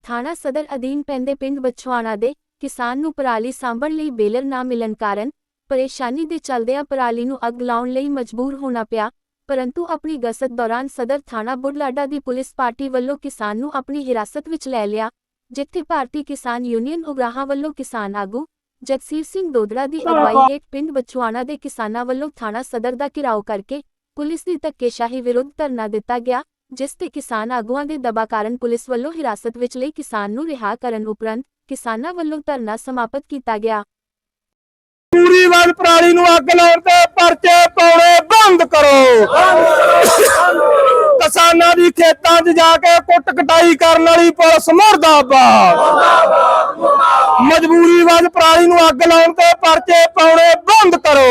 ਥਾਣਾ ਸਦਰ ਅਧੀਨ ਪੈਂਦੇ ਪਿੰਡ ਬਛਵਾਣਾ ਦੇ ਕਿਸਾਨ ਨੂੰ ਪਰਾਲੀ ਸਾਂਭਣ ਲਈ ਬੇਲਰ ਨਾ ਮਿਲਣ ਕਾਰਨ ਪਰੇਸ਼ਾਨੀ ਦੇ ਚਲਦਿਆਂ ਪਰਾਲੀ ਨੂੰ ਅੱਗ ਲਾਉਣ ਲਈ ਮਜਬੂਰ ਹੋਣਾ ਪਿਆ, परंतु अपनी गश्त दौरान सदर थाना बुढ़लाडा की पुलिस पार्टी वालों किसान नूं अपनी हिरासत विच लै लिया, जिथे भारतीय किसान यूनियन उगराहां वालों किसान आगू जगसीर सिंह दोदड़ा की अगवाई हेठ पिंड बछवाणा के किसानां वालों थाना सदर का घिराव करके पुलिस की धक्केशाही विरुद्ध धरना दिता गया, जिस ते किसान आगुआं के दबा कारण पुलिस वालों हिरासत विच लई किसान नूं रिहा करन उपरंत किसानां वालों धरना समाप्त किया गया। पूरी वाल पराली नूं अग लाउण ते परचे पाउणे बंद करो। किसानां दी खेतां 'च जाके कुट कटाई करन वाली पुलिस मुर्दाबाद। मजबूरी वाल पराली नूं अग लाउण ते परचे पाउणे बंद करो।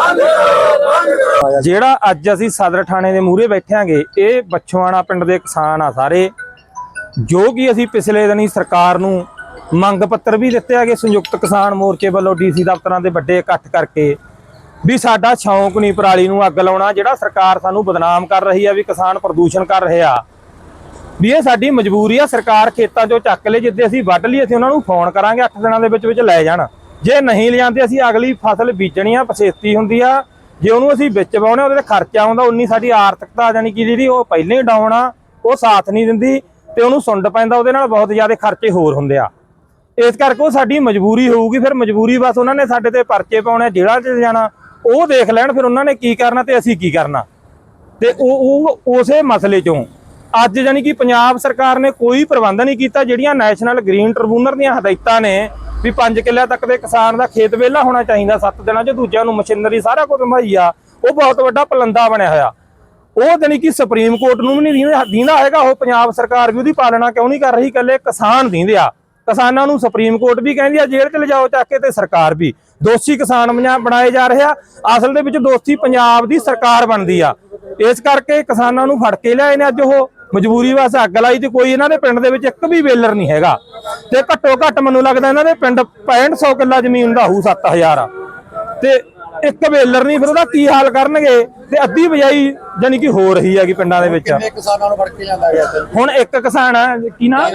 ਜਿਹੜਾ ਅੱਜ ਅਸੀਂ ਸਦਰ ਥਾਣੇ ਦੇ ਮੂਹਰੇ ਬੈਠਾਂਗੇ, ਇਹ ਬਛਵਾਣਾ ਪਿੰਡ ਦੇ ਕਿਸਾਨ ਆ ਸਾਰੇ, ਜੋ ਕਿ ਅਸੀਂ ਪਿਛਲੇ ਦਿਨੀ ਸਰਕਾਰ ਨੂੰ ਮੰਗ ਪੱਤਰ ਵੀ ਦਿੱਤੇ ਹੈਗੇ ਸੰਯੁਕਤ ਕਿਸਾਨ ਮੋਰਚੇ ਵੱਲੋਂ ਡੀਸੀ ਦਫ਼ਤਰਾਂ ਦੇ ਵੱਡੇ ਇਕੱਠ ਕਰਕੇ ਵੀ ਸਾਡਾ ਸ਼ੌਂਕ ਨਹੀਂ ਪਰਾਲੀ ਨੂੰ ਅੱਗ ਲਾਉਣਾ, ਜਿਹੜਾ ਸਰਕਾਰ ਸਾਨੂੰ ਬਦਨਾਮ ਕਰ ਰਹੀ ਆ ਵੀ ਕਿਸਾਨ ਪ੍ਰਦੂਸ਼ਣ ਕਰ ਰਿਹਾ, ਵੀ ਇਹ ਸਾਡੀ ਮਜਬੂਰੀ ਆ। ਸਰਕਾਰ ਖੇਤਾਂ 'ਚੋਂ ਚੱਕ ਲੈ, ਜਿੱਦੇ ਅਸੀਂ ਵੱਢ ਲਈ ਅਸੀਂ ਉਹਨਾਂ ਨੂੰ ਫੋਨ ਕਰਾਂਗੇ 8 ਦਿਨਾਂ ਦੇ ਵਿੱਚ ਲੈ ਜਾਣ, ਜੇ ਨਹੀਂ ਲਿਆਂਦੇ ਅਸੀਂ ਅਗਲੀ ਫਸਲ ਬੀਜਣੀ ਆ, ਪਛੇਤੀ ਹੁੰਦੀ ਆ, ਜੇ ਉਹਨੂੰ ਅਸੀਂ ਵਿੱਚ ਪਾਉਣੇ ਉਹਦੇ ਤੇ ਖਰਚਾ ਆਉਂਦਾ, ਉਨੀ ਸਾਡੀ ਆਰਥਿਕਤਾ ਜਾਨੀ ਕਿ ਜਿਹੜੀ ਉਹ ਪਹਿਲਾਂ ਹੀ ਡਾਊਨ ਆ, ਉਹ ਸਾਥ ਨਹੀਂ ਦਿੰਦੀ ਤੇ ਉਹਨੂੰ ਸੁੰਡ ਪੈਂਦਾ, ਉਹਦੇ ਨਾਲ ਬਹੁਤ ਜ਼ਿਆਦਾ ਖਰਚੇ ਹੋਰ ਹੁੰਦੇ ਆ। ਇਸ ਕਰਕੇ ਉਹ ਸਾਡੀ ਮਜਬੂਰੀ ਹੋਊਗੀ, ਫਿਰ ਮਜਬੂਰੀ ਬਸ ਉਹਨਾਂ ਨੇ ਸਾਡੇ ਤੇ ਪਰਚੇ ਪਾਉਣੇ, ਜੇਲ੍ਹਾਂ 'ਚ ਜਾਣਾ, ਉਹ ਦੇਖ ਲੈਣ ਫਿਰ ਉਹਨਾਂ ਨੇ ਕੀ ਕਰਨਾ ਤੇ ਅਸੀਂ ਕੀ ਕਰਨਾ। ਤੇ ਉਹ ਉਸੇ ਮਸਲੇ 'ਚੋਂ ਅੱਜ ਜਾਨੀ ਕਿ ਪੰਜਾਬ ਸਰਕਾਰ ਨੇ ਕੋਈ ਪ੍ਰਬੰਧ ਨਹੀਂ ਕੀਤਾ। ਜਿਹੜੀਆਂ ਨੈਸ਼ਨਲ ਗ੍ਰੀਨ ਟ੍ਰਿਬਿਊਨਲ ਦੀਆਂ ਹਦਾਇਤਾਂ ਨੇ ਵੀ 5 ਕਿੱਲਿਆਂ ਤੱਕ ਦੇ ਕਿਸਾਨ ਦਾ ਖੇਤ ਵਿਹਲਾ ਹੋਣਾ ਚਾਹੀਦਾ 7 ਦਿਨਾਂ 'ਚ, ਦੂਜਿਆਂ ਨੂੰ ਮਸ਼ੀਨਰੀ ਸਾਰਾ ਕੁਝ ਮੁਹੱਈਆ, ਉਹ ਬਹੁਤ ਵੱਡਾ ਪਲੰਦਾ ਬਣਿਆ ਹੋਇਆ। ਉਹ ਜਾਨੀ ਕਿ ਸੁਪਰੀਮ ਕੋਰਟ ਨੂੰ ਵੀ ਨਹੀਂ ਦੀਂਦਾ ਹੈਗਾ, ਉਹ ਪੰਜਾਬ ਸਰਕਾਰ ਵੀ ਉਹਦੀ ਪਾਲਣਾ ਕਿਉਂ ਨਹੀਂ ਕਰ ਰਹੀ, ਇਕੱਲੇ ਕਿਸਾਨ ਦੀਂਦੇ ਆ। ਕਿਸਾਨਾਂ ਨੂੰ ਸੁਪਰੀਮ ਕੋਰਟ ਵੀ ਕਹਿੰਦੀ ਆ ਜੇਲ੍ਹ 'ਚ ਲਿਜਾਓ ਚੱਕ ਕੇ, ਤੇ ਸਰਕਾਰ ਵੀ ਦੋਸ਼ੀ ਕਿਸਾਨ ਬਣਾਏ ਜਾ ਰਹੇ ਆ। ਅਸਲ ਦੇ ਵਿੱਚ ਦੋਸ਼ੀ ਪੰਜਾਬ ਦੀ ਸਰਕਾਰ ਬਣਦੀ ਆ। ਇਸ ਕਰਕੇ ਕਿਸਾਨਾਂ ਨੂੰ ਫੜ ਕੇ ਲਿਆਏ ਨੇ ਅੱਜ, ਉਹ ਮਜਬੂਰੀ ਵਾਸਤੇ ਅੱਗ ਲਾਈ, ਤੇ ਕੋਈ ਇਹਨਾਂ ਦੇ ਪਿੰਡ ਦੇ ਵਿੱਚ ਇੱਕ ਵੀ ਵੇਲਰ ਨਹੀਂ ਹੈਗਾ, ਤੇ ਘੱਟੋ ਘੱਟ ਮੈਨੂੰ ਲੱਗਦਾ ਇਹਨਾਂ ਦੇ ਪਿੰਡ 6500 ਕਿੱਲਾ ਜ਼ਮੀਨ ਦਾ ਹੋਊ, 7000 ਤੇ ਇੱਕ ਵੇਲਰ ਨਹੀਂ, ਫਿਰ ਉਹਦਾ ਕੀ ਹਾਲ ਕਰਨਗੇ। ਤੇ ਅੱਧੀ ਬਜਾਈ ਜਾਨੀ ਕਿ ਹੋ ਰਹੀ ਹੈਗੀ ਪਿੰਡਾਂ ਦੇ ਵਿੱਚ। ਕਿਸਾਨਾਂ ਨੂੰ ਫੜ ਕੇ ਜਾਂਦਾ ਗਿਆ ਹੁਣ ਇੱਕ ਕਿਸਾਨ ਆ ਕੀ ਨਾ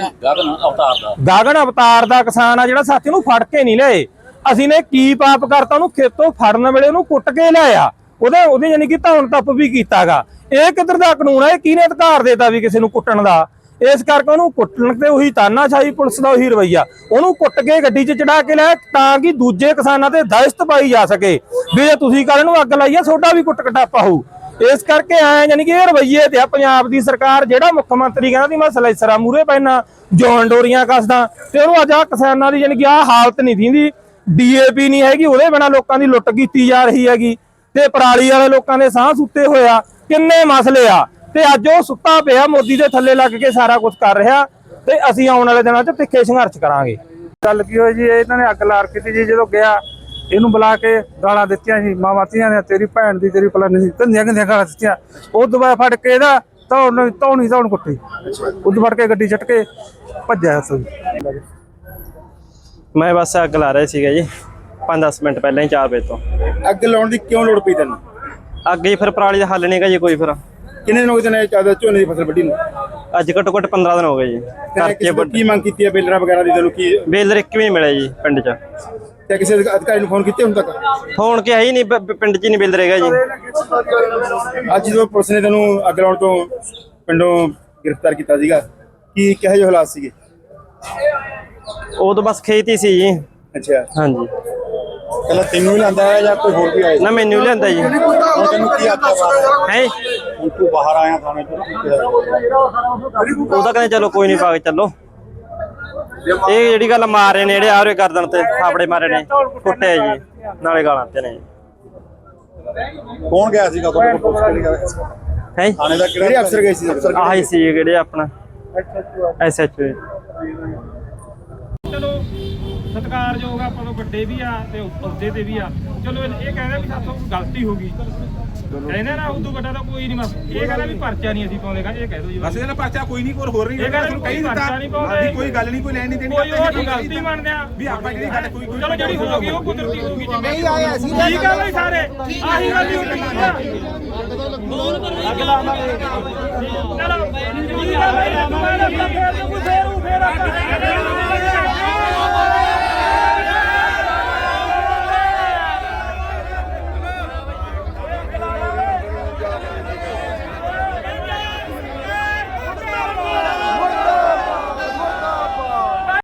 ਗਗਨ ਅਵਤਾਰ ਦਾ ਕਿਸਾਨ ਆ, ਜਿਹੜਾ ਸਾਥੀ ਨੂੰ ਫੜ ਕੇ ਨਹੀਂ ਲਿਆਏ। ਅਸੀਂ ਨੇ ਕੀ ਪਾਪ ਕਰਤਾ, ਉਹਨੂੰ ਖੇਤੋਂ ਫੜਨ ਵੇਲੇ ਉਹਨੂੰ ਕੁੱਟ ਕੇ ਲਿਆਇਆ, ਉਹਦੇ ਜਾਨੀ ਕਿ ਧੌਣ ਤੱਪ ਵੀ ਕੀਤਾਗਾ। ਇਹ ਕਿੱਧਰ ਦਾ ਕਾਨੂੰਨ ਹੈ, ਕਿਹਨੇ ਅਧਿਕਾਰ ਦੇਤਾ ਵੀ ਕਿਸੇ ਨੂੰ ਕੁੱਟਣ ਦਾ। ਇਸ ਕਰਕੇ ਉਹਨੂੰ ਕੁੱਟਣ ਤੇ ਉਹੀ ਤਾਨਾਸ਼ਾਹੀ ਪੁਲਿਸ ਦਾ ਉਹੀ ਰਵੱਈਆ, ਉਹਨੂੰ ਕੁੱਟ ਕੇ ਗੱਡੀ 'ਚ ਚੜਾ ਕੇ ਲਿਆ ਤਾਂ ਕਿ ਦੂਜੇ ਕਿਸਾਨਾਂ ਤੇ ਦਹਿਸ਼ਤ ਪਾਈ ਜਾ ਸਕੇ ਵੀ ਜੇ ਤੁਸੀਂ ਕੱਲ ਨੂੰ ਅੱਗ ਲਾਈਏ ਤੁਹਾਡਾ ਵੀ ਕੁੱਟ ਕਟਾਪਾ ਹੋਊ। ਇਸ ਕਰਕੇ ਐ ਜਾਨੀ ਕਿ ਇਹ ਰਵੱਈਏ ਤੇ ਆ ਪੰਜਾਬ ਦੀ ਸਰਕਾਰ। ਜਿਹੜਾ ਮੁੱਖ ਮੰਤਰੀ ਕਹਿੰਦਾ ਸੀ ਮੈਂ ਸਲੈਸਰਾ ਮੂਹਰੇ ਪੈਣਾ, ਜੌਨ ਡੋਰੀਆਂ ਕੱਸਦਾ, ਤੇ ਉਹਨੂੰ ਅੱਜ ਆ ਕਿਸਾਨਾਂ ਦੀ ਜਾਨੀ ਕਿ ਆਹ ਹਾਲਤ ਨਹੀਂ ਦਿੰਦੀ। DAP ਨਹੀਂ ਹੈਗੀ, ਉਹਦੇ ਬਿਨਾਂ ਲੋਕਾਂ ਦੀ ਲੁੱਟ ਕੀਤੀ ਜਾ ਰਹੀ ਹੈਗੀ, ਤੇ ਪਰਾਲੀ ਵਾਲੇ ਲੋਕਾਂ ਦੇ ਸਾਹ ਸੁੱਤੇ ਹੋਇਆ, ਕਿੰਨੇ ਮਸਲੇ ਆ। ਤੇ ਅੱਜ ਉਹ ਸੁੱਤਾ ਪਿਆ ਮੋਦੀ ਦੇ ਥੱਲੇ ਲੱਗ ਕੇ ਸਾਰਾ ਕੁਝ ਕਰ ਰਿਹਾ, ਤੇ ਅਸੀਂ ਆਉਣ ਵਾਲੇ ਦਿਨਾਂ 'ਚ ਤਿੱਖੇ ਸੰਘਰਸ਼ ਕਰਾਂਗੇ। ਗੱਲ ਕੀ ਹੋਈ ਜੀ, ਇਹਨਾਂ ਨੇ ਅੱਗ ਲਾਰ ਕੀਤੀ ਜੀ। ਜਦੋਂ ਗਿਆ ਇਹਨੂੰ ਬੁਲਾ ਕੇ ਗਾਲਾਂ ਦਿੱਤੀਆਂ ਜੀ, ਮਾਵਾਂ ਧੀਆਂ ਨੇ, ਤੇਰੀ ਭੈਣ ਦੀ ਤੇਰੀ ਫਲਾਨੀ ਦੀ, ਗੰਦੀਆਂ ਗਾਲਾਂ ਦਿੱਤੀਆਂ। ਉਹ ਦੁਬਾਰਾ ਫੜ ਕੇ ਇਹਦਾ ਧੌਣ ਕੁੱਟੀ, ਉਦੋਂ ਫੜ ਕੇ ਗੱਡੀ ਛੱਟ ਕੇ ਭੱਜਿਆ। ਮੈਂ ਬਸ ਅੱਗ ਲਾ ਰਿਹਾ ਸੀਗਾ ਜੀ 5-10 ਮਿੰਟ ਪਹਿਲਾਂ ਹੀ 4 ਵਜੇ ਤੋਂ। ਅੱਗ ਲਾਉਣ ਦੀ ਕਿਉਂ ਲੋੜ ਪਈ ਤੈਨੂੰ? ਅੱਗ ਜੀ ਫਿਰ ਪਰਾਲੀ ਦਾ ਹੱਲ ਨਹੀਂਗਾ ਜੀ ਕੋਈ। ਫਿਰ ਕਿੰਨੇ ਦਿਨ ਹੋ ਗਏ ਤੈਨੂੰ ਝੋਨੇ ਦੀ ਫਸਲ ਵੱਢੀ ਨੂੰ? ਅੱਜ ਘੱਟੋ ਘੱਟ 15 ਦਿਨ ਹੋ ਗਏ ਜੀ। ਕੀ ਮੰਗ ਕੀਤੀ ਹੈ ਬੇਲਰਾਂ ਵਗੈਰਾ ਦੀ ਤੈਨੂੰ? ਕੀ ਬੇਲਰ ਇੱਕ ਵੀ ਨਹੀਂ ਮਿਲਿਆ ਜੀ ਪਿੰਡ 'ਚ। ਤੇ ਕਿਸੇ ਅਧਿਕਾਰੀ ਨੂੰ ਫੋਨ ਕੀਤੇ ਹੁਣ ਤੱਕ? ਫੋਨ ਕਿ ਹੈ ਹੀ ਨਹੀਂ, ਪਿੰਡ 'ਚ ਹੀ ਨਹੀਂ ਬੇਲਰ ਹੈਗਾ ਜੀ। ਅੱਜ ਜਦੋਂ ਪੁਲਿਸ ਨੇ ਤੈਨੂੰ ਅੱਗ ਲਾਉਣ ਤੋਂ ਪਿੰਡੋਂ ਗ੍ਰਿਫਤਾਰ ਕੀਤਾ ਸੀਗਾ, ਕੀ ਕਿਹੋ ਜਿਹੇ ਹਾਲਾਤ ਸੀਗੇ? ਉਹ ਤਾਂ ਬਸ ਖੇਤ ਹੀ ਸੀ ਜੀ। ਅੱਛਾ, ਹਾਂਜੀ। ਪਹਿਲਾਂ ਤੈਨੂੰ ਹੀ ਲਿਆਂਦਾ ਹੈ ਜਾਂ ਕੋਈ ਹੋਰ ਵੀ ਆਇਆ? ਨਾ ਮੈਨੂੰ ਲਿਆਂਦਾ ਜੀ। ਹੁਣ ਤੈਨੂੰ ਕੀ ਆਖਿਆ ਹੈ ਹੁਣ ਤੂੰ ਬਾਹਰ ਆਇਆ ਥਾਣੇ ਤੋਂ? ਉਹ ਤਾਂ ਕਹਿੰਦੇ ਚਲੋ ਕੋਈ ਨਹੀਂ ਪਾ ਕੇ ਚੱਲੋ। ਇਹ ਜਿਹੜੀ ਗੱਲ ਮਾਰ ਰਹੇ ਨੇ ਜਿਹੜੇ ਆਰੇ ਗਰਦਨ ਤੇ ਥਾਪੜੇ ਮਾਰੇ ਨੇ, ਕੁੱਟਿਆ ਜੀ, ਨਾਲੇ ਗਾਲਾਂ ਤੇ ਨੇ। ਕੌਣ ਗਿਆ ਸੀਗਾ ਤੁਹਾਡੇ ਕੋਲ? ਹੈ ਥਾਣੇ ਦਾ ਕਿਹੜੇ ਅਫਸਰ ਗਏ ਸੀ? ਆਹੀ ਸੀ ਜਿਹੜੇ ਆਪਣਾ SHO। ਚਲੋ ਸਤਿਕਾਰਯੋਗ ਆਪਾਂ ਤੋਂ ਵੱਡੇ ਵੀ ਆ ਤੇ ਅਹੁਦੇ ਤੇ ਵੀ ਆ। ਚਲੋ ਇਹ ਕਹਿੰਦਾ ਵੀ ਸਾਥੋਂ ਗਲਤੀ ਹੋ ਗਈ, ਕਹਿੰਦੇ ਨਾ ਉਦੋਂ ਵੱਡਾ ਤਾਂ ਕੋਈ ਨਹੀਂ। ਬਸ ਇਹ ਕਹਿੰਦਾ ਵੀ ਪਰਚਾ ਨਹੀਂ ਅਸੀਂ ਪਾਉਂਦੇ, ਕਹਿੰਦੇ ਇਹ ਕਹਿ ਦੋ ਜੀ। ਬਸ ਇਹਦਾ ਪਰਚਾ ਕੋਈ ਨਹੀਂ, ਕੋਈ ਹੋਰ ਨਹੀਂ। ਇਹ ਕਹਿੰਦਾ ਕੋਈ ਪਰਚਾ ਨਹੀਂ ਪਾਉਂਦੇ, ਕੋਈ ਗੱਲ ਨਹੀਂ, ਕੋਈ ਲੈਣ ਨਹੀਂ ਦੇਣੀ। ਕੋਈ ਉਹ ਗਲਤੀ ਮੰਨਦੇ ਆ ਵੀ ਆਪਾਂ ਜਿਹੜੀ ਗੱਲ ਕੋਈ ਚਲੋ ਜਿਹੜੀ ਹੋ ਗਈ ਉਹ ਕੁਦਰਤੀ ਹੋ ਗਈ। ਨਹੀਂ ਆਇਆ ਸੀ, ਠੀਕ ਆ ਬਈ ਸਾਰੇ ਆਹੀ ਗੱਲ ਹੀ ਹੁੰਦੀ ਆ। ਅਗਲਾ ਚਲੋ ਠੀਕ ਆ ਬਈ, ਦੁਬਾਰਾ ਫੇਰ ਕੋਈ ਫੇਰ ਨਹੀਂ